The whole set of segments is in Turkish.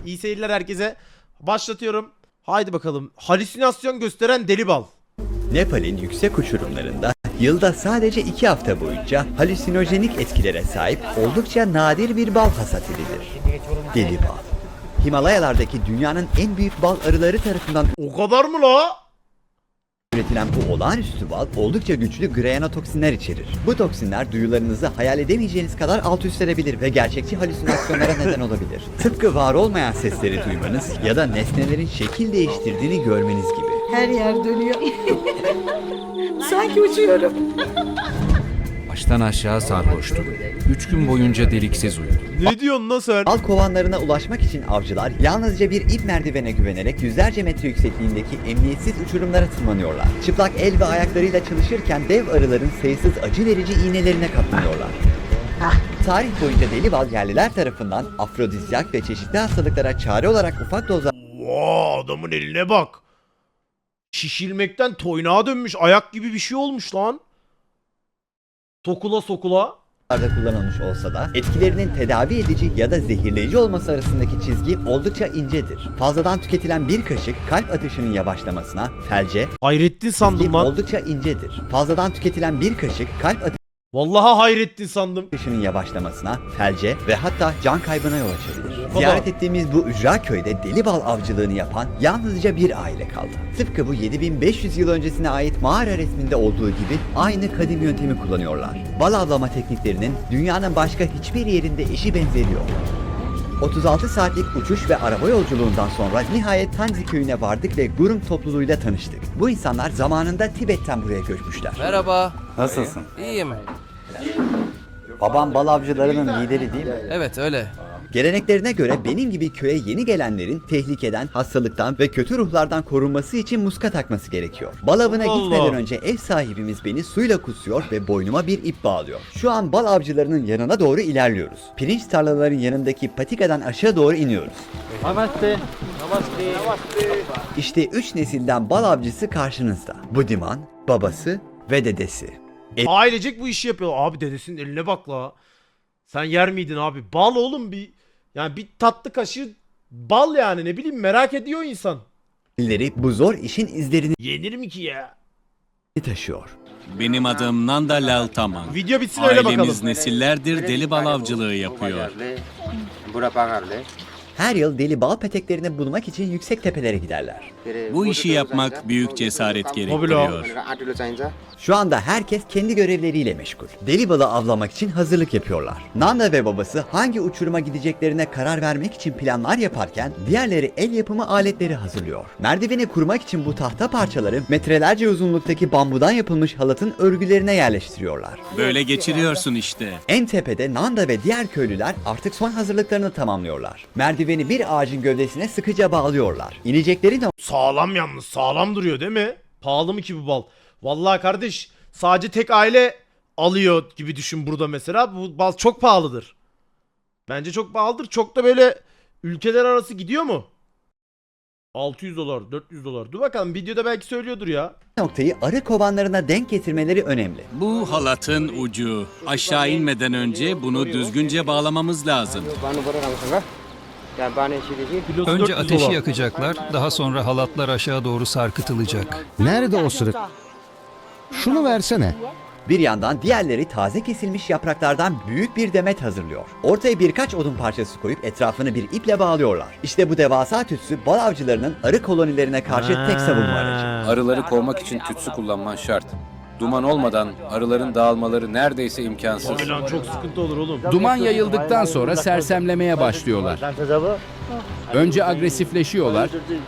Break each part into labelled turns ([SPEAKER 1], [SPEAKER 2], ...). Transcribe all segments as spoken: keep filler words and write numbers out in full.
[SPEAKER 1] İyi seyirler herkese. Başlatıyorum. Haydi bakalım. Halüsinasyon gösteren deli bal.
[SPEAKER 2] Nepal'in yüksek uçurumlarında yılda sadece iki hafta boyunca halüsinojenik etkilere sahip oldukça nadir bir bal hasat edilir. Deli bal. Himalayalardaki dünyanın en büyük bal arıları tarafından
[SPEAKER 1] O kadar mı la?
[SPEAKER 2] üretilen bu olağanüstü bal oldukça güçlü grayanotoksinler içerir. Bu toksinler duyularınızı hayal edemeyeceğiniz kadar alt üst edebilir ve gerçekçi halüsinasyonlara neden olabilir. Tıpkı var olmayan sesleri duymanız ya da nesnelerin şekil değiştirdiğini görmeniz gibi.
[SPEAKER 3] Her yer dönüyor. Sanki uçuyorum.
[SPEAKER 4] Baştan aşağı sarhoştum. Üç gün boyunca deliksiz uyudum.
[SPEAKER 1] Ne diyorsun lan sen?
[SPEAKER 2] Bal kovanlarına ulaşmak için avcılar yalnızca bir ip merdivene güvenerek yüzlerce metre yüksekliğindeki emniyetsiz uçurumlara tırmanıyorlar. Çıplak el ve ayaklarıyla çalışırken dev arıların sayısız acı verici iğnelerine katlanıyorlar. Tarih boyunca deli bal yerliler tarafından afrodizyak ve çeşitli hastalıklara çare olarak ufak dozlarda
[SPEAKER 1] Vaa, adamın eline bak. Şişilmekten toynağa dönmüş. Ayak gibi bir şey olmuş lan. Sokula sokula.
[SPEAKER 2] kullanılmış olsa da etkilerinin tedavi edici ya da zehirleyici olması arasındaki çizgi oldukça incedir. Fazladan tüketilen bir kaşık kalp atışının yavaşlamasına, felce,
[SPEAKER 1] Hayrettin sandım lan.
[SPEAKER 2] oldukça incedir. Fazladan tüketilen bir kaşık kalp
[SPEAKER 1] Vallahi Hayrettin sandım.
[SPEAKER 2] atışının yavaşlamasına, felce ve hatta can kaybına yol açabilir.
[SPEAKER 1] kadar.
[SPEAKER 2] Ziyaret ettiğimiz bu ücra köyde deli bal avcılığını yapan yalnızca bir aile kaldı. Tıpkı bu yedi bin beş yüz yıl öncesine ait mağara resminde olduğu gibi aynı kadim yöntemi kullanıyorlar. Bal avlama tekniklerinin dünyanın başka hiçbir yerinde eşi benzeri yok. otuz altı saatlik uçuş ve araba yolculuğundan sonra nihayet Tanzi köyüne vardık ve Gurung topluluğuyla tanıştık. Bu insanlar zamanında Tibet'ten buraya göçmüşler.
[SPEAKER 5] Merhaba.
[SPEAKER 2] Nasılsın?
[SPEAKER 5] İyiyim.
[SPEAKER 2] Babam bal avcılarının lideri değil mi?
[SPEAKER 5] Evet öyle.
[SPEAKER 2] Geleneklerine göre benim gibi köye yeni gelenlerin tehlikeden, hastalıktan ve kötü ruhlardan korunması için muska takması gerekiyor. Bal avına
[SPEAKER 1] Allah.
[SPEAKER 2] gitmeden önce ev sahibimiz beni suyla kusuyor ve boynuma bir ip bağlıyor. Şu an bal avcılarının yanına doğru ilerliyoruz. Pirinç tarlaların yanındaki patikadan aşağı doğru iniyoruz.
[SPEAKER 6] Namaste. Namaste. Namaste.
[SPEAKER 2] İşte üç nesilden bal avcısı karşınızda. Budiman, babası ve dedesi.
[SPEAKER 1] Ailecek bu işi yapıyor. Abi dedesinin eline bak la. Sen yer miydin abi? Bal oğlum bir. Yani bir tatlı kaşığı bal yani, ne bileyim, merak ediyor insan.
[SPEAKER 2] Elleri bu zor işin izlerini
[SPEAKER 1] Yenir mi ki ya?
[SPEAKER 2] taşıyor.
[SPEAKER 7] Benim adım Nanda Lal Taman.
[SPEAKER 1] Video bitsin öyle bakalım.
[SPEAKER 7] Ailemiz nesillerdir deli bal avcılığı yapıyor.
[SPEAKER 2] Her yıl deli bal peteklerini bulmak için yüksek tepelere giderler.
[SPEAKER 7] Bu işi yapmak büyük cesaret
[SPEAKER 1] Tabii
[SPEAKER 7] gerektiriyor.
[SPEAKER 2] Şu anda herkes kendi görevleriyle meşgul. Deli balı avlamak için hazırlık yapıyorlar. Nanda ve babası hangi uçuruma gideceklerine karar vermek için planlar yaparken diğerleri el yapımı aletleri hazırlıyor. Merdiveni kurmak için bu tahta parçaları metrelerce uzunluktaki bambudan yapılmış halatın örgülerine yerleştiriyorlar.
[SPEAKER 7] Böyle geçiriyorsun işte.
[SPEAKER 2] En tepede Nanda ve diğer köylüler artık son hazırlıklarını tamamlıyorlar. Merdiveni bir ağacın gövdesine sıkıca bağlıyorlar. İnecekleri
[SPEAKER 1] Sağlam yalnız. Sağlam duruyor değil mi? Pahalı mı ki bu bal? Vallahi kardeş, sadece tek aile alıyor gibi düşün burada mesela. Bu bal çok pahalıdır. Bence çok pahalıdır. Çok da böyle ülkeler arası gidiyor mu? altı yüz dolar, dört yüz dolar. Dur bakalım, videoda belki söylüyordur ya.
[SPEAKER 2] noktayı arı kovanlarına denk getirmeleri önemli.
[SPEAKER 7] Bu halatın ucu. Aşağı inmeden önce bunu düzgünce bağlamamız lazım.
[SPEAKER 1] Kilosu
[SPEAKER 4] Önce
[SPEAKER 1] dört yüz
[SPEAKER 4] ateşi
[SPEAKER 1] dolar.
[SPEAKER 4] yakacaklar, daha sonra halatlar aşağı doğru sarkıtılacak.
[SPEAKER 6] Nerede o sırık? Şunu versene.
[SPEAKER 2] Bir yandan diğerleri taze kesilmiş yapraklardan büyük bir demet hazırlıyor. Ortaya birkaç odun parçası koyup etrafını bir iple bağlıyorlar. İşte bu devasa tütsü bal avcılarının arı kolonilerine karşı tek savunma aracı.
[SPEAKER 8] Arıları kovmak için tütsü kullanman şart. Duman olmadan arıların dağılmaları neredeyse imkansız.
[SPEAKER 1] Abi lan çok sıkıntı olur oğlum.
[SPEAKER 5] Duman yayıldıktan sonra sersemlemeye başlıyorlar. Önce agresifleşiyorlar,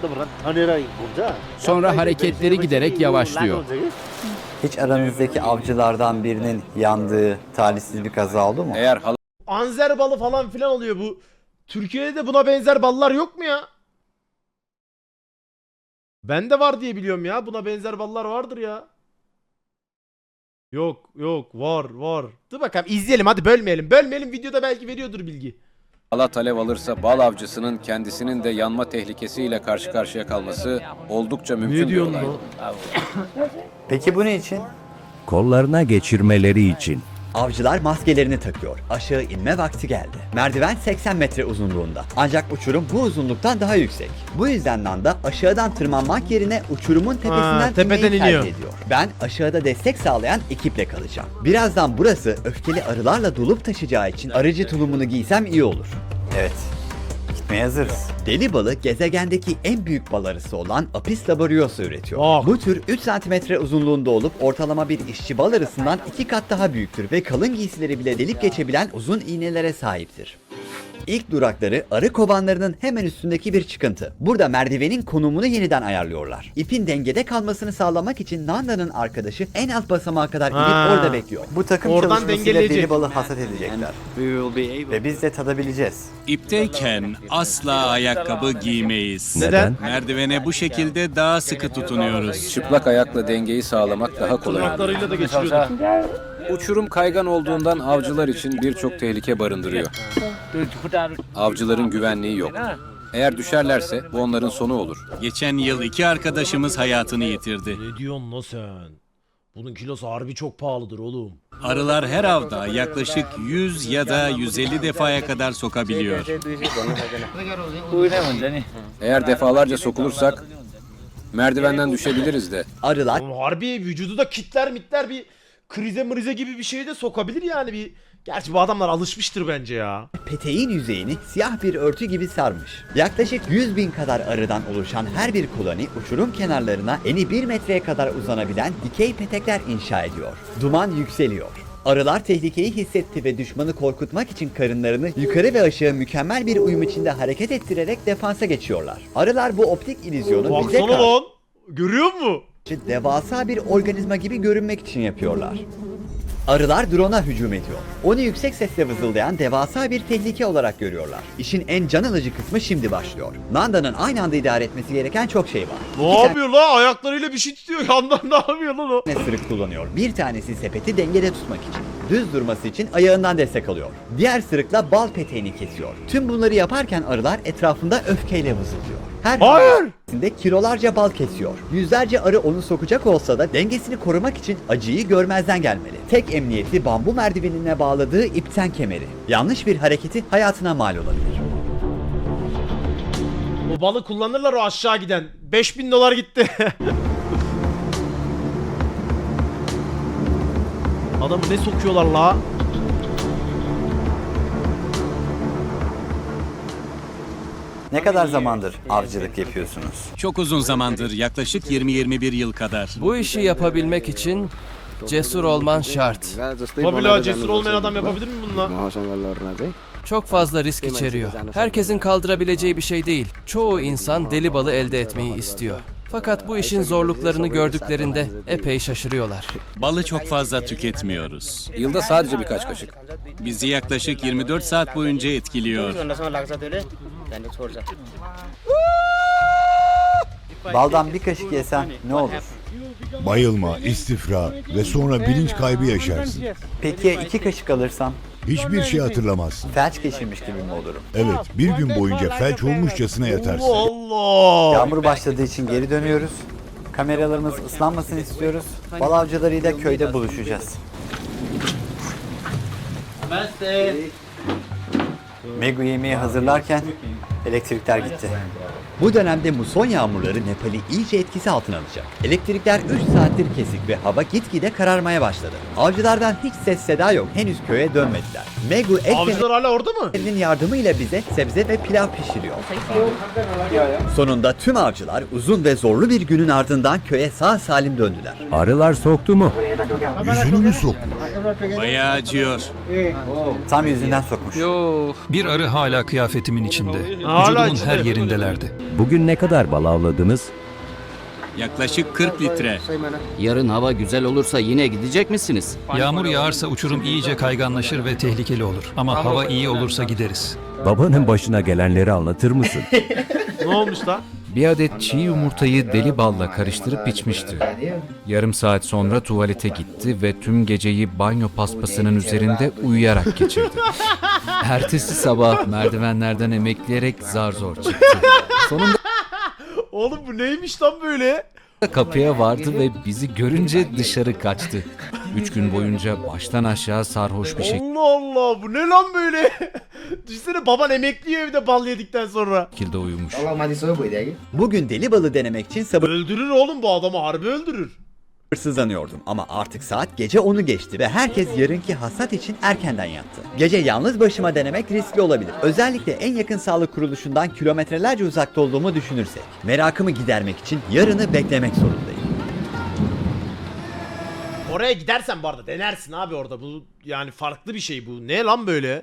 [SPEAKER 5] sonra hareketleri giderek yavaşlıyor.
[SPEAKER 2] Hiç aranızdaki avcılardan birinin yandığı talihsiz bir kaza oldu mu?
[SPEAKER 8] Eğer halat
[SPEAKER 1] Anzer balı falan filan oluyor bu. Türkiye'de de buna benzer ballar yok mu ya? Bende var diye biliyorum ya. Buna benzer ballar vardır ya. Yok yok, var var. Dur bakalım, izleyelim hadi, bölmeyelim. Bölmeyelim, videoda belki veriyordur bilgi.
[SPEAKER 8] alev alırsa bal avcısının kendisinin de yanma tehlikesiyle karşı karşıya kalması oldukça mümkün
[SPEAKER 1] Ne
[SPEAKER 8] bir
[SPEAKER 1] diyorsun
[SPEAKER 8] olay.
[SPEAKER 1] lan?
[SPEAKER 2] Peki bu ne için?
[SPEAKER 9] Kollarına geçirmeleri için.
[SPEAKER 2] Avcılar maskelerini takıyor. Aşağı inme vakti geldi. Merdiven seksen metre uzunluğunda. Ancak uçurum bu uzunluktan daha yüksek. Bu yüzden Nanda aşağıdan tırmanmak yerine uçurumun tepesinden
[SPEAKER 1] Ha, tepeden
[SPEAKER 2] inmeyi
[SPEAKER 1] iniyor.
[SPEAKER 2] tercih ediyor. Ben aşağıda destek sağlayan ekiple kalacağım. Birazdan burası öfkeli arılarla dolup taşacağı için arıcı tulumunu giysem iyi olur. Evet. Gitmeye hazırız. Deli balı gezegendeki en büyük bal arısı olan Apis laboriosa üretiyor.
[SPEAKER 1] Bak.
[SPEAKER 2] Bu tür üç santimetre uzunluğunda olup ortalama bir işçi bal arısından iki kat daha büyüktür ve kalın giysileri bile delip geçebilen uzun iğnelere sahiptir. İlk durakları arı kovanlarının hemen üstündeki bir çıkıntı. Burada merdivenin konumunu yeniden ayarlıyorlar. İpin dengede kalmasını sağlamak için Nanda'nın arkadaşı en alt basamağa kadar inip
[SPEAKER 1] Ha.
[SPEAKER 2] orada bekliyor. Bu takım
[SPEAKER 1] Oradan
[SPEAKER 2] çalışmasıyla
[SPEAKER 1] dengeleyecek.
[SPEAKER 2] deli balı hasat edecekler. Ve biz de tadabileceğiz.
[SPEAKER 7] İpteyken asla ayakkabı giymeyiz.
[SPEAKER 1] Neden?
[SPEAKER 7] Merdivene bu şekilde daha sıkı tutunuyoruz.
[SPEAKER 8] Çıplak ayakla dengeyi sağlamak daha kolay.
[SPEAKER 1] Tırnaklarıyla da geçiriyordu.
[SPEAKER 8] Uçurum kaygan olduğundan avcılar için birçok tehlike barındırıyor. Avcıların güvenliği yok. Eğer düşerlerse bu onların sonu olur.
[SPEAKER 7] Geçen yıl iki arkadaşımız hayatını yitirdi.
[SPEAKER 1] Ne diyorsun lan sen? Bunun kilosu harbi çok pahalıdır oğlum.
[SPEAKER 7] Arılar her avda yaklaşık yüz ya da yüz elli defaya kadar sokabiliyor.
[SPEAKER 8] Eğer defalarca sokulursak merdivenden düşebiliriz de.
[SPEAKER 2] Arılar
[SPEAKER 1] Oğlum harbi vücudu da kitler mitler bir krize mrize gibi bir şey de sokabilir yani bir. Gerçi bu adamlar alışmıştır bence ya.
[SPEAKER 2] peteğin yüzeyini siyah bir örtü gibi sarmış. Yaklaşık yüz bin kadar arıdan oluşan her bir koloni uçurum kenarlarına eni bir metreye kadar uzanabilen dikey petekler inşa ediyor. Duman yükseliyor. Arılar tehlikeyi hissetti ve düşmanı korkutmak için karınlarını yukarı ve aşağı mükemmel bir uyum içinde hareket ettirerek defansa geçiyorlar. Arılar bu optik illüzyonu bize
[SPEAKER 1] Baksana
[SPEAKER 2] karşı
[SPEAKER 1] lan. Görüyor musun?
[SPEAKER 2] devasa bir organizma gibi görünmek için yapıyorlar. Arılar drone'a hücum ediyor. Onu yüksek sesle vızıldayan devasa bir tehlike olarak görüyorlar. İşin en can alıcı kısmı şimdi başlıyor. Nanda'nın aynı anda idare etmesi gereken çok şey var.
[SPEAKER 1] Ne
[SPEAKER 2] İki
[SPEAKER 1] yapıyor la? Ayaklarıyla bir şey tutuyor. Yandan ne yapıyor lan o?
[SPEAKER 2] tane sırık kullanıyor. Bir tanesi sepeti dengede tutmak için. Düz durması için ayağından destek alıyor. Diğer sırıkla bal peteğini kesiyor. Tüm bunları yaparken arılar etrafında öfkeyle vızıldıyor. Her
[SPEAKER 1] Hayır!
[SPEAKER 2] de kilolarca bal kesiyor. Yüzlerce arı onu sokacak olsa da dengesini korumak için acıyı görmezden gelmeli. Tek emniyeti bambu merdivenine bağladığı ipten kemeri. Yanlış bir hareketi hayatına mal olabilir.
[SPEAKER 1] O balı kullanırlar o aşağı giden. beş bin dolar gitti. Adamı ne sokuyorlar la?
[SPEAKER 2] Ne kadar zamandır avcılık yapıyorsunuz?
[SPEAKER 7] Çok uzun zamandır, yaklaşık yirmi yirmi bir yıl kadar.
[SPEAKER 9] Bu işi yapabilmek için cesur olman şart.
[SPEAKER 1] Tabii la cesur olmayan adam yapabilir mi bununla?
[SPEAKER 9] Çok fazla risk içeriyor. Herkesin kaldırabileceği bir şey değil. Çoğu insan deli balı elde etmeyi istiyor. Fakat bu işin zorluklarını gördüklerinde epey şaşırıyorlar.
[SPEAKER 7] Balı çok fazla tüketmiyoruz.
[SPEAKER 8] Yılda sadece birkaç kaşık.
[SPEAKER 7] Bizi yaklaşık yirmi dört saat boyunca etkiliyor.
[SPEAKER 2] Baldan bir kaşık yesen ne olur?
[SPEAKER 10] Bayılma, istifra ve sonra bilinç kaybı yaşarsın.
[SPEAKER 2] Peki ya iki kaşık alırsam?
[SPEAKER 10] Hiçbir şey hatırlamazsın.
[SPEAKER 2] Felç geçirmiş gibi mi olurum?
[SPEAKER 10] Evet, bir gün boyunca felç olmuşçasına yatarsın.
[SPEAKER 1] Allah!
[SPEAKER 2] Yağmur başladığı için geri dönüyoruz. Kameralarımız ıslanmasını istiyoruz. Bal avcılarıyla köyde buluşacağız. Megu yemeği hazırlarken elektrikler gitti. Bu dönemde muson yağmurları Nepal'i iyice etkisi altına alacak. Elektrikler üç saattir kesik ve hava gitgide kararmaya başladı. Avcılardan hiç ses seda yok. Henüz köye dönmediler. Megu ek
[SPEAKER 1] Avcılar hala orada mı?
[SPEAKER 2] Elinin yardımıyla bize sebze ve pilav pişiriyor. Sonunda tüm avcılar uzun ve zorlu bir günün ardından köye sağ salim döndüler.
[SPEAKER 4] Arılar soktu mu?
[SPEAKER 10] Yüzünü mü sok?
[SPEAKER 7] Bayağı acıyor.
[SPEAKER 2] Tam yüzünden sokmuş.
[SPEAKER 11] Bir arı hala kıyafetimin içinde.
[SPEAKER 1] Hala
[SPEAKER 11] Vücudumun
[SPEAKER 1] içinde.
[SPEAKER 11] her yerindelerdi.
[SPEAKER 4] Bugün ne kadar bal avladınız?
[SPEAKER 7] Yaklaşık kırk litre.
[SPEAKER 5] Yarın hava güzel olursa yine gidecek misiniz?
[SPEAKER 11] Yağmur yağarsa uçurum iyice kayganlaşır ve tehlikeli olur. Ama hava iyi olursa gideriz.
[SPEAKER 4] Babanın başına gelenleri anlatır mısın?
[SPEAKER 1] Ne olmuş lan?
[SPEAKER 4] Bir adet çiğ yumurtayı deli balla karıştırıp içmişti. Yarım saat sonra tuvalete gitti ve tüm geceyi banyo paspasının üzerinde uyuyarak geçirdi. Ertesi sabah merdivenlerden emekleyerek zar zor çıktı. Sonunda
[SPEAKER 1] Oğlum bu neymiş lan böyle?
[SPEAKER 4] kapıya vardı ve bizi görünce dışarı kaçtı. Üç gün boyunca baştan aşağı sarhoş bir
[SPEAKER 1] Allah Allah, bu ne lan böyle? Düşünsene, baban emekliyor evde bal yedikten sonra.
[SPEAKER 4] şekilde uyumuş.
[SPEAKER 2] Bugün deli balı denemek için
[SPEAKER 1] Öldürür oğlum, bu adamı harbi öldürür.
[SPEAKER 2] sabırsızlanıyordum ama artık saat gece onu geçti ve herkes yarınki hasat için erkenden yattı. Gece yalnız başıma denemek riskli olabilir. Özellikle en yakın sağlık kuruluşundan kilometrelerce uzakta olduğumu düşünürsek. Merakımı gidermek için yarını beklemek zorundayım.
[SPEAKER 1] Oraya gidersen bu arada denersin abi orada. Bu yani farklı bir şey bu. Ne lan böyle?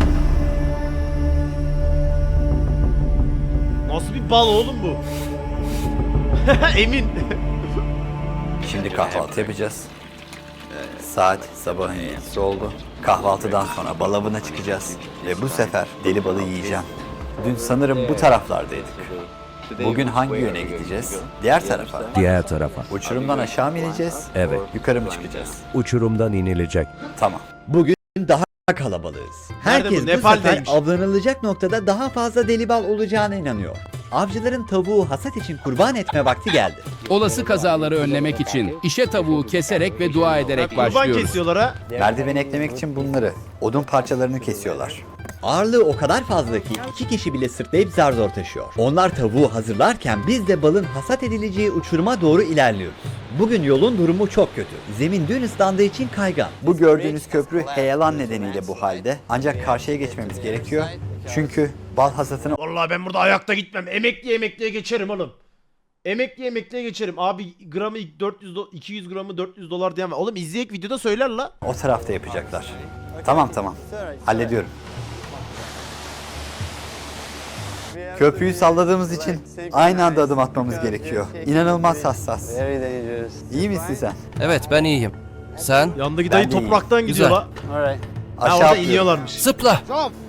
[SPEAKER 1] Nasıl bir bal oğlum bu? Emin.
[SPEAKER 2] Şimdi kahvaltı yapacağız. Saat sabahın yedisi oldu. Kahvaltıdan sonra bal avına çıkacağız. Ve bu sefer deli balı yiyeceğim. Dün sanırım bu taraflardaydık. Bugün hangi yöne gideceğiz? Diğer tarafa.
[SPEAKER 6] Diğer tarafa.
[SPEAKER 2] Uçurumdan aşağı mı ineceğiz?
[SPEAKER 6] Evet.
[SPEAKER 2] Yukarı mı çıkacağız?
[SPEAKER 6] Uçurumdan inilecek.
[SPEAKER 2] Tamam. Bugün daha kalabalığız.
[SPEAKER 1] Nerede bu?
[SPEAKER 2] Herkes bu,
[SPEAKER 1] Nepal'deymiş.
[SPEAKER 2] sefer avlanılacak noktada daha fazla deli bal olacağına inanıyor. Avcıların tavuğu hasat için kurban etme vakti geldi.
[SPEAKER 5] Olası kazaları önlemek için işe tavuğu keserek ve dua ederek
[SPEAKER 1] Kurban
[SPEAKER 5] başlıyoruz.
[SPEAKER 1] kesiyorlar ha.
[SPEAKER 2] Merdiven eklemek için bunları, odun parçalarını kesiyorlar. Ağırlığı o kadar fazla ki iki kişi bile sırtlayıp zar zor taşıyor. Onlar tavuğu hazırlarken biz de balın hasat edileceği uçuruma doğru ilerliyoruz. Bugün yolun durumu çok kötü. Zemin dün ıslandığı için kaygan. Bu gördüğünüz köprü heyelan nedeniyle bu halde. Ancak karşıya geçmemiz gerekiyor. Çünkü bal hasatını
[SPEAKER 1] Vallahi ben burada ayakta gitmem. Emekli emekliye geçerim oğlum. Emekli emekliye geçerim. Abi gramı dört yüz do- iki yüz gramı dört yüz dolar diyen var. Oğlum izleyek videoda söyler la.
[SPEAKER 2] o tarafta yapacaklar. Tamam tamam. Hallediyorum. Köprüyü salladığımız için aynı anda adım atmamız gerekiyor. İnanılmaz hassas. İyi misin sen?
[SPEAKER 9] Evet, ben iyiyim. Sen?
[SPEAKER 1] Yandaki dayı
[SPEAKER 2] Ben de iyiyim.
[SPEAKER 1] topraktan gidiyor
[SPEAKER 9] Güzel.
[SPEAKER 1] la. Ha,
[SPEAKER 2] Aşağı
[SPEAKER 1] orada
[SPEAKER 2] atlıyorum.
[SPEAKER 1] iniyorlarmış.
[SPEAKER 9] Zıpla!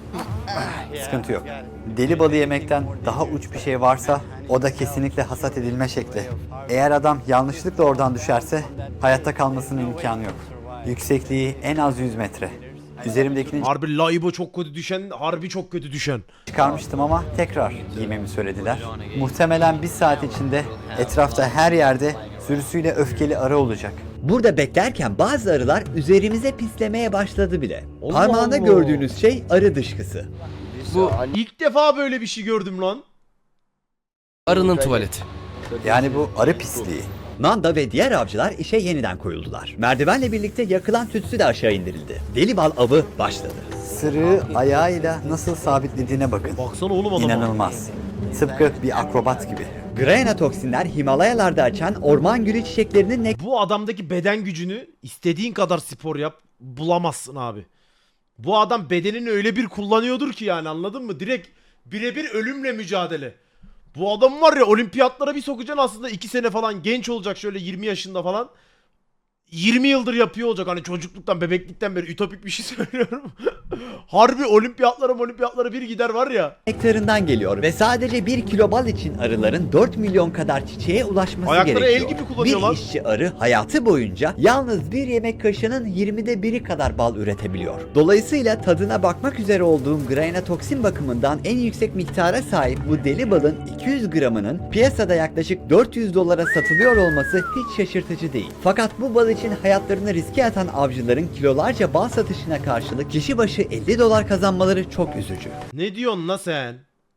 [SPEAKER 2] Sıkıntı yok. Deli balı yemekten daha uç bir şey varsa o da kesinlikle hasat edilme şekli. Eğer adam yanlışlıkla oradan düşerse hayatta kalmasının imkanı yok. Yüksekliği en az yüz metre. Üzerimdekini
[SPEAKER 1] Harbi laibo çok kötü düşen, harbi çok kötü düşen.
[SPEAKER 2] çıkarmıştım ama tekrar giymemi söylediler. Muhtemelen bir saat içinde etrafta her yerde sürüsüyle öfkeli arı olacak. Burada beklerken bazı arılar üzerimize pislemeye başladı bile.
[SPEAKER 1] Allah
[SPEAKER 2] Parmağında
[SPEAKER 1] Allah.
[SPEAKER 2] gördüğünüz şey arı dışkısı.
[SPEAKER 9] Bu
[SPEAKER 1] İlk defa böyle bir şey gördüm lan.
[SPEAKER 9] arının tuvaleti.
[SPEAKER 2] Yani bu arı pisliği. Nanda ve diğer avcılar işe yeniden koyuldular. Merdivenle birlikte yakılan tütsü de aşağı indirildi. Deli bal avı başladı. Sırığı ayağıyla nasıl sabitlediğine bakın.
[SPEAKER 1] Baksana oğlum adama.
[SPEAKER 2] İnanılmaz. Tıpkı bir akrobat gibi. Grana toksinler Himalayalarda açan orman gülü çiçeklerinin ne
[SPEAKER 1] Bu adamdaki beden gücünü istediğin kadar spor yap bulamazsın abi. Bu adam bedenini öyle bir kullanıyordur ki yani, anladın mı? Direkt birebir ölümle mücadele. Bu adam var ya, olimpiyatlara bir sokacaksın aslında iki sene falan genç olacak, şöyle yirmi yaşında falan. yirmi yıldır yapıyor olacak, hani çocukluktan bebeklikten beri ütopik bir şey söylüyorum. Harbi olimpiyatlara olimpiyatlara bir gider var ya.
[SPEAKER 2] nektarından geliyor ve sadece bir kilo bal için arıların dört milyon kadar çiçeğe ulaşması
[SPEAKER 1] Ayakları el
[SPEAKER 2] gerekiyor.
[SPEAKER 1] gibi kullanıyorlar.
[SPEAKER 2] Bir işçi arı hayatı boyunca yalnız bir yemek kaşığının yirmide biri kadar bal üretebiliyor. Dolayısıyla tadına bakmak üzere olduğum grana toksin bakımından en yüksek miktara sahip bu deli balın iki yüz gramının piyasada yaklaşık dört yüz dolara satılıyor olması hiç şaşırtıcı değil. Fakat bu bal için hayatlarını riske atan avcıların kilolarca bal satışına karşılık kişi başı elli dolar kazanmaları çok üzücü.
[SPEAKER 1] Ne diyorsun la sen?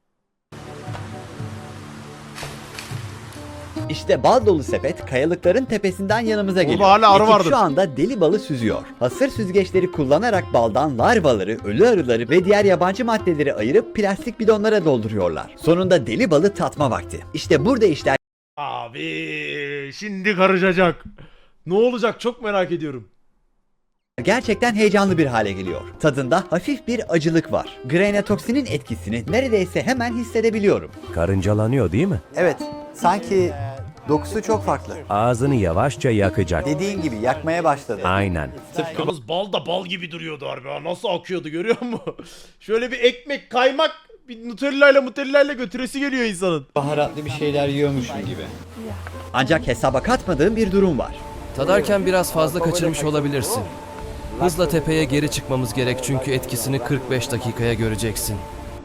[SPEAKER 2] İşte bal dolu sepet kayalıkların tepesinden yanımıza geliyor.
[SPEAKER 1] hala arı
[SPEAKER 2] Ekip
[SPEAKER 1] vardır.
[SPEAKER 2] şu anda deli balı süzüyor. Hasır süzgeçleri kullanarak baldan larvaları, ölü arıları ve diğer yabancı maddeleri ayırıp plastik bidonlara dolduruyorlar. Sonunda deli balı tatma vakti. İşte burada işler
[SPEAKER 1] Abi şimdi karışacak. Ne olacak çok merak ediyorum.
[SPEAKER 2] gerçekten heyecanlı bir hale geliyor. Tadında hafif bir acılık var. Grana toksinin etkisini neredeyse hemen hissedebiliyorum.
[SPEAKER 6] Karıncalanıyor değil mi?
[SPEAKER 2] Evet, sanki dokusu çok farklı.
[SPEAKER 6] Ağzını yavaşça yakacak.
[SPEAKER 2] Dediğin gibi yakmaya başladı.
[SPEAKER 6] Aynen.
[SPEAKER 1] Yalnız bal da bal gibi duruyordu harbi ha. Nasıl akıyordu görüyor musun? Şöyle bir ekmek, kaymak, bir Nutella'yla Nutella'yla götüresi geliyor insanın.
[SPEAKER 2] Baharatlı bir şeyler yiyormuşum gibi. Ancak hesaba katmadığım bir durum var.
[SPEAKER 9] Tadarken biraz fazla kaçırmış olabilirsin. Hızla tepeye geri çıkmamız gerek çünkü etkisini kırk beş dakikaya göreceksin.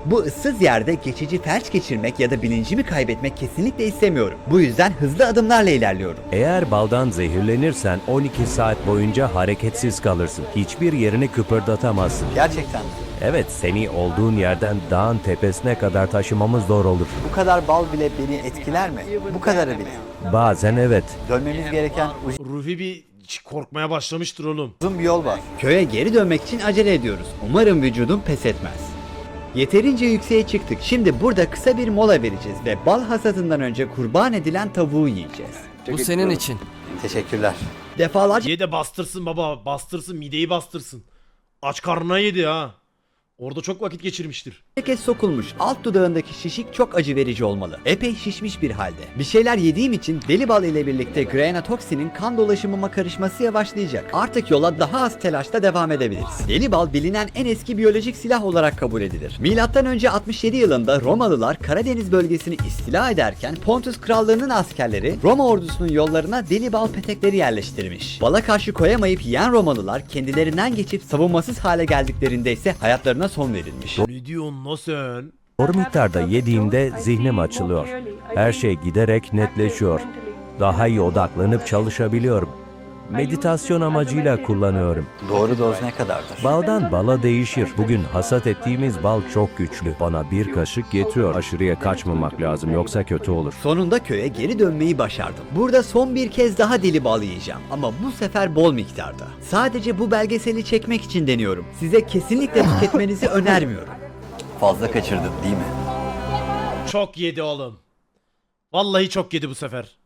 [SPEAKER 2] Bu ıssız yerde geçici felç geçirmek ya da bilincimi kaybetmek kesinlikle istemiyorum. Bu yüzden hızlı adımlarla ilerliyorum.
[SPEAKER 6] Eğer baldan zehirlenirsen on iki saat boyunca hareketsiz kalırsın. Hiçbir yerini kıpırdatamazsın.
[SPEAKER 2] Gerçekten mi?
[SPEAKER 6] Evet, seni olduğun yerden dağın tepesine kadar taşımamız zor olur.
[SPEAKER 2] Bu kadar bal bile beni etkiler mi? Bu kadarı bile.
[SPEAKER 6] Bazen evet.
[SPEAKER 2] Dönmemiz gereken
[SPEAKER 1] Rufi bir korkmaya başlamıştır oğlum.
[SPEAKER 2] uzun bir yol var. Köye geri dönmek için acele ediyoruz. Umarım vücudum pes etmez. Yeterince yükseğe çıktık. Şimdi burada kısa bir mola vereceğiz ve bal hasadından önce kurban edilen tavuğu yiyeceğiz.
[SPEAKER 9] Bu senin için.
[SPEAKER 2] Teşekkürler. Defalarca
[SPEAKER 1] Ye de bastırsın baba. Bastırsın, mideyi bastırsın. Aç karnına yedi ha. Orada çok vakit geçirmiştir.
[SPEAKER 2] kez sokulmuş. Alt dudağındaki şişik çok acı verici olmalı. Epey şişmiş bir halde. Bir şeyler yediğim için deli bal ile birlikte granatoksinin kan dolaşımıma karışması yavaşlayacak. Artık yola daha az telaşla devam edebiliriz. Deli bal bilinen en eski biyolojik silah olarak kabul edilir. Milattan önce altmış yedi yılında Romalılar Karadeniz bölgesini istila ederken Pontus Krallığı'nın askerleri Roma ordusunun yollarına deli bal petekleri yerleştirmiş. Bala karşı koyamayıp yiyen Romalılar kendilerinden geçip savunmasız hale geldiklerinde ise hayatlarına son verilmiş.
[SPEAKER 1] Ne diyorsun lan sen?
[SPEAKER 6] Doğru miktarda yediğimde zihnim açılıyor. Her şey giderek netleşiyor. Daha iyi odaklanıp çalışabiliyorum. Meditasyon amacıyla kullanıyorum.
[SPEAKER 2] Doğru doz ne kadardır?
[SPEAKER 6] Baldan bala değişir. Bugün hasat ettiğimiz bal çok güçlü. Bana bir kaşık yetiyor. Aşırıya kaçmamak lazım yoksa kötü olur.
[SPEAKER 2] Sonunda köye geri dönmeyi başardım. Burada son bir kez daha deli bal yiyeceğim ama bu sefer bol miktarda. Sadece bu belgeseli çekmek için deniyorum. Size kesinlikle tüketmenizi önermiyorum. Fazla kaçırdın değil mi?
[SPEAKER 1] Çok yedi oğlum. Vallahi çok yedi bu sefer.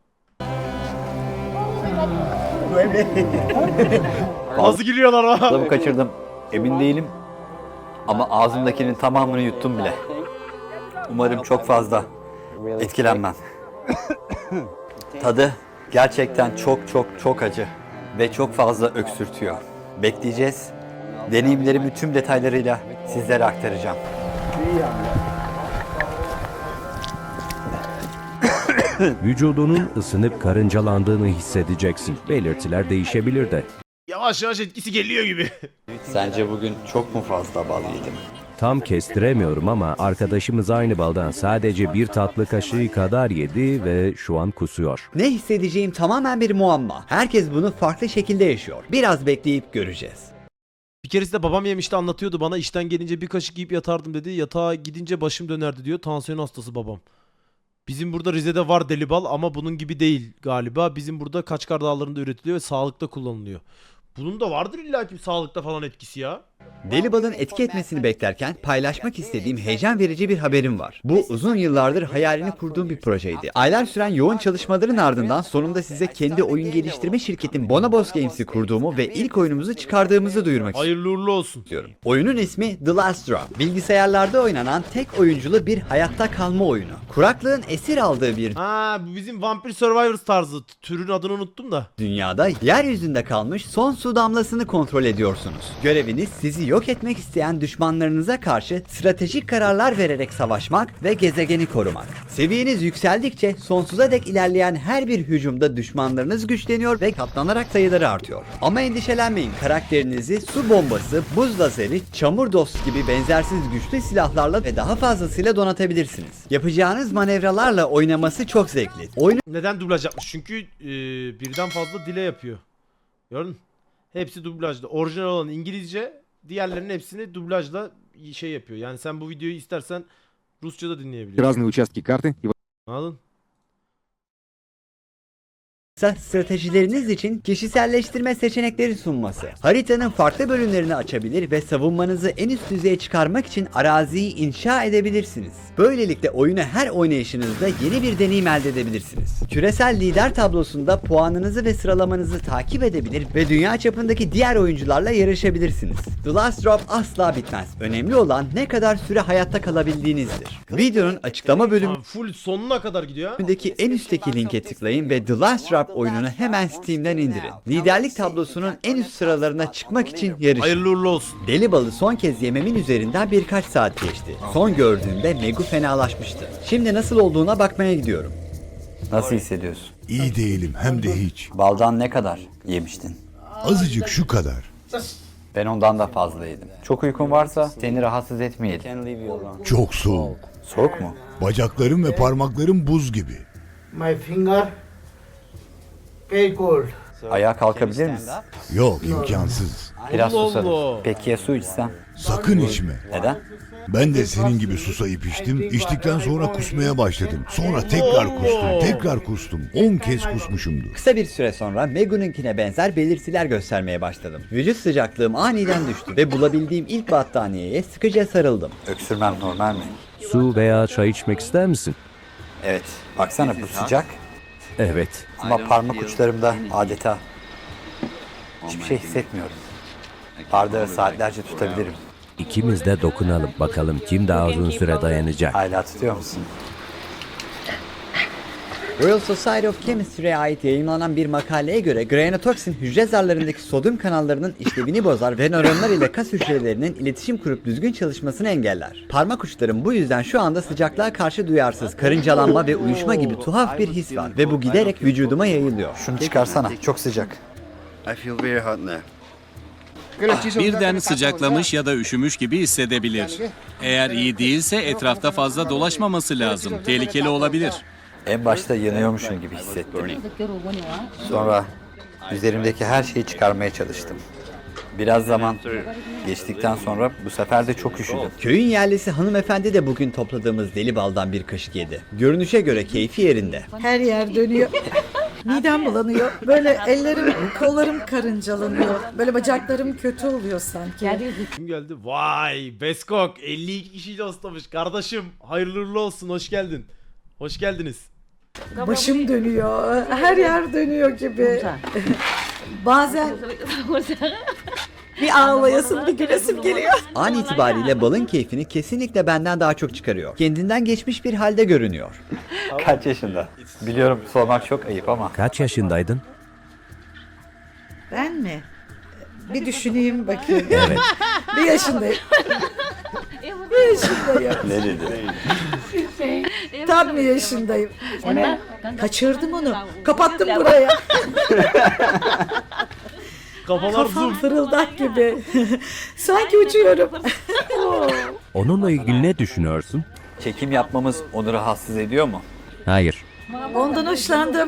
[SPEAKER 1] Nasıl gülüyorlar ha?
[SPEAKER 2] Fazla mı kaçırdım? Emin değilim. Ama ağzımdakinin tamamını yuttum bile. Umarım çok fazla etkilenmem. Tadı gerçekten çok çok çok acı ve çok fazla öksürtüyor. Bekleyeceğiz. Deneyimlerimi tüm detaylarıyla sizlere aktaracağım.
[SPEAKER 6] Vücudunun ısınıp karıncalandığını hissedeceksin. Belirtiler değişebilir de.
[SPEAKER 1] Yavaş yavaş etkisi geliyor gibi.
[SPEAKER 2] Sence bugün çok mu fazla bal yedim?
[SPEAKER 6] Tam kestiremiyorum ama arkadaşımız aynı baldan sadece bir tatlı kaşığı kadar yedi ve şu an kusuyor.
[SPEAKER 2] Ne hissedeceğim tamamen bir muamma. Herkes bunu farklı şekilde yaşıyor. Biraz bekleyip göreceğiz.
[SPEAKER 1] Bir keresinde babam yemişti, anlatıyordu bana, işten gelince bir kaşık yiyip yatardım dedi. Yatağa gidince başım dönerdi diyor. Tansiyon hastası babam. Bizim burada Rize'de var deli bal ama bunun gibi değil galiba. Bizim burada Kaçkar Dağları'nda üretiliyor ve sağlıkta kullanılıyor. Bunun da vardır illaki sağlıkta falan etkisi ya.
[SPEAKER 2] Deli balın etki etmesini beklerken paylaşmak istediğim heyecan verici bir haberim var. Bu uzun yıllardır hayalini kurduğum bir projeydi. Aylar süren yoğun çalışmaların ardından sonunda size kendi oyun geliştirme şirketim Bonobos Games'i kurduğumu ve ilk oyunumuzu çıkardığımızı duyurmak
[SPEAKER 1] Hayırlı uğurlu olsun.
[SPEAKER 2] istiyorum. Oyunun ismi The Last Drop. Bilgisayarlarda oynanan tek oyunculu bir hayatta kalma oyunu. Kuraklığın esir aldığı bir
[SPEAKER 1] Ha, bu bizim Vampire Survivors tarzı. Türün adını unuttum da.
[SPEAKER 2] dünyada yeryüzünde kalmış son su damlasını kontrol ediyorsunuz. Göreviniz sizi yok etmek isteyen düşmanlarınıza karşı stratejik kararlar vererek savaşmak ve gezegeni korumak. Seviyeniz yükseldikçe sonsuza dek ilerleyen her bir hücumda düşmanlarınız güçleniyor ve katlanarak sayıları artıyor. Ama endişelenmeyin, karakterinizi su bombası, buz lazeri, çamur dost gibi benzersiz güçlü silahlarla ve daha fazlasıyla donatabilirsiniz. Yapacağınız manevralarla oynaması çok zevkli. Oyunu
[SPEAKER 1] Neden dublaj yapmış? Çünkü e, birden fazla dile yapıyor. Gördün mü? Hepsi dublajda. Orijinal olan İngilizce, diğerlerinin hepsini dublajla şey yapıyor. Yani sen bu videoyu istersen Rusça da dinleyebiliyorsun.
[SPEAKER 12] Разные участки карты и
[SPEAKER 1] Anladın?
[SPEAKER 2] stratejileriniz için kişiselleştirme seçenekleri sunması. Haritanın farklı bölümlerini açabilir ve savunmanızı en üst düzeye çıkarmak için araziyi inşa edebilirsiniz. Böylelikle oyunu her oynayışınızda yeni bir deneyim elde edebilirsiniz. Küresel lider tablosunda puanınızı ve sıralamanızı takip edebilir ve dünya çapındaki diğer oyuncularla yarışabilirsiniz. The Last Drop asla bitmez. Önemli olan ne kadar süre hayatta kalabildiğinizdir. Videonun açıklama bölümü
[SPEAKER 1] Tamam, full sonuna kadar gidiyor ha.
[SPEAKER 2] Bölümündeki en üstteki linke tıklayın ve The Last Drop oyununu hemen Steam'den indirin. Liderlik tablosunun en üst sıralarına çıkmak için yarışın.
[SPEAKER 1] Hayırlı uğurlu olsun.
[SPEAKER 2] Deli balı son kez yememin üzerinden birkaç saat geçti. Son gördüğümde Megu fenalaşmıştı. Şimdi nasıl olduğuna bakmaya gidiyorum. Nasıl hissediyorsun?
[SPEAKER 10] İyi değilim hem de hiç.
[SPEAKER 2] Baldan ne kadar yemiştin?
[SPEAKER 10] Azıcık şu kadar.
[SPEAKER 2] Ben ondan da fazla yedim. Çok uykun varsa seni rahatsız etmeyelim.
[SPEAKER 10] Çok soğuk.
[SPEAKER 2] Soğuk mu?
[SPEAKER 10] Bacaklarım ve parmaklarım buz gibi.
[SPEAKER 3] My finger very cold.
[SPEAKER 2] Ayağa kalkabilir misin?
[SPEAKER 10] Yok, imkansız.
[SPEAKER 2] Biraz
[SPEAKER 1] Allah
[SPEAKER 2] susadım.
[SPEAKER 1] Allah.
[SPEAKER 2] Peki ya su içsem?
[SPEAKER 10] Sakın içme.
[SPEAKER 2] Neden?
[SPEAKER 10] Ben de senin gibi susayıp içtim. İçtikten sonra kusmaya başladım. Sonra tekrar kustum, tekrar kustum. on kez kusmuşumdur.
[SPEAKER 2] Kısa bir süre sonra Megu'nunkine benzer belirtiler göstermeye başladım. Vücut sıcaklığım aniden düştü ve bulabildiğim ilk battaniyeye sıkıca sarıldım. Öksürmem normal mi?
[SPEAKER 6] Su veya çay içmek ister misin?
[SPEAKER 2] Evet. Baksana bu sıcak.
[SPEAKER 6] Evet.
[SPEAKER 2] Ama parmak uçlarımda adeta hiçbir şey hissetmiyorum. Bardağı saatlerce tutabilirim.
[SPEAKER 6] İkimiz de dokunalım bakalım kim daha uzun süre dayanacak.
[SPEAKER 2] Hala tutuyor musun? Royal Society of Chemistry'e ait yayınlanan bir makaleye göre granatoksin hücre zarlarındaki sodyum kanallarının işlevini bozar ve nöronlar ile kas hücrelerinin iletişim kurup düzgün çalışmasını engeller. Parmak uçlarım bu yüzden şu anda sıcaklığa karşı duyarsız, karıncalanma ve uyuşma gibi tuhaf bir his var ve bu giderek vücuduma yayılıyor. Şunu çıkarsana, çok sıcak. I feel very hot now.
[SPEAKER 7] Birden sıcaklamış ya da üşümüş gibi hissedebilir. Eğer iyi değilse etrafta fazla dolaşmaması lazım. Tehlikeli olabilir.
[SPEAKER 2] En başta yanıyormuşum gibi hissettim. Sonra üzerimdeki her şeyi çıkarmaya çalıştım. Biraz zaman geçtikten sonra bu sefer de çok üşüdüm. Köyün yerlisi hanımefendi de bugün topladığımız deli baldan bir kaşık yedi. Görünüşe göre keyfi yerinde.
[SPEAKER 3] Her yer dönüyor. Midem bulanıyor. Böyle ellerim, kollarım karıncalanıyor. Böyle bacaklarım kötü oluyor sanki.
[SPEAKER 1] Kim geldi? Vay Beskok elli iki kişiyle hostlamış. Kardeşim hayırlı uğurlu olsun, hoş geldin. Hoş geldiniz.
[SPEAKER 3] Başım dönüyor. Her yer dönüyor gibi. Bazen bir ağlayasım, bir gülesim geliyor.
[SPEAKER 2] An itibariyle balın keyfini kesinlikle benden daha çok çıkarıyor. Kendinden geçmiş bir halde görünüyor. Kaç yaşında? Biliyorum sormak çok ayıp ama.
[SPEAKER 6] Kaç yaşındaydın?
[SPEAKER 3] Ben mi? Bir düşüneyim bakayım.
[SPEAKER 6] Evet.
[SPEAKER 3] Bir yaşındayım. Bir yaşındayım.
[SPEAKER 2] Ne dedi?
[SPEAKER 3] Tam bir yaşındayım. Kaçırdım onu. Kapattım buraya.
[SPEAKER 1] Kafalar
[SPEAKER 3] Kafam
[SPEAKER 1] zoom.
[SPEAKER 3] fırıldak gibi. Sanki uçuyorum.
[SPEAKER 6] Onunla ilgili ne düşünüyorsun?
[SPEAKER 2] Çekim yapmamız onu rahatsız ediyor mu?
[SPEAKER 6] Hayır.
[SPEAKER 3] Ondan hoşlandım.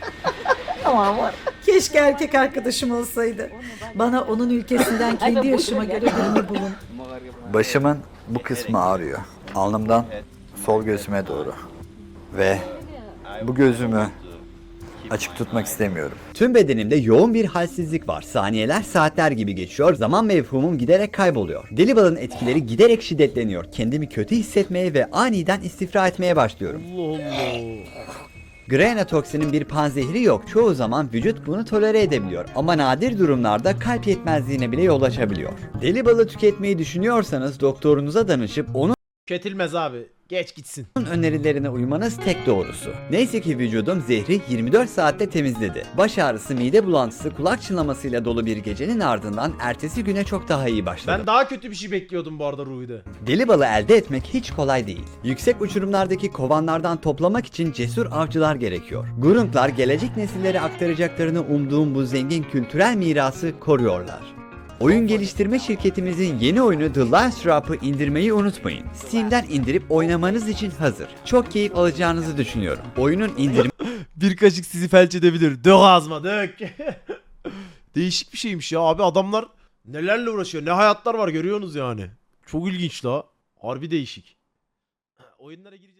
[SPEAKER 3] Keşke erkek arkadaşım olsaydı. Bana onun ülkesinden kendi yaşıma göre birini bulun.
[SPEAKER 2] Başımın bu kısmı ağrıyor. Alnımdan sol gözüme doğru. Ve bu gözümü açık tutmak istemiyorum. Tüm bedenimde yoğun bir halsizlik var. Saniyeler saatler gibi geçiyor. Zaman mefhumum giderek kayboluyor. Deli balın etkileri giderek şiddetleniyor. Kendimi kötü hissetmeye ve aniden istifra etmeye başlıyorum.
[SPEAKER 1] Allah Allah.
[SPEAKER 2] Granatoksinin bir panzehri yok. Çoğu zaman vücut bunu tolere edebiliyor. Ama nadir durumlarda kalp yetmezliğine bile yol açabiliyor. Deli balı tüketmeyi düşünüyorsanız doktorunuza danışıp onun
[SPEAKER 1] Tüketilmez abi. Geç gitsin.
[SPEAKER 2] önerilerine uymanız tek doğrusu. Neyse ki vücudum zehri yirmi dört saatte temizledi. Baş ağrısı, mide bulantısı, kulak çınlamasıyla dolu bir gecenin ardından ertesi güne çok daha iyi başladım.
[SPEAKER 1] Ben daha kötü bir şey bekliyordum bu arada Ruhi'de.
[SPEAKER 2] Deli balı elde etmek hiç kolay değil. Yüksek uçurumlardaki kovanlardan toplamak için cesur avcılar gerekiyor. Gurunglar gelecek nesillere aktaracaklarını umduğum bu zengin kültürel mirası koruyorlar. Oyun geliştirme şirketimizin yeni oyunu The Last Drop'ı indirmeyi unutmayın. Steam'den indirip oynamanız için hazır. Çok keyif alacağınızı düşünüyorum. Oyunun indirme
[SPEAKER 1] Bir kaşık sizi felç edebilir. Dök ağzıma dök. Değişik bir şeymiş ya abi, adamlar nelerle uğraşıyor. Ne hayatlar var görüyorsunuz yani. Çok ilginç la. Harbi değişik. Oyunlara giriş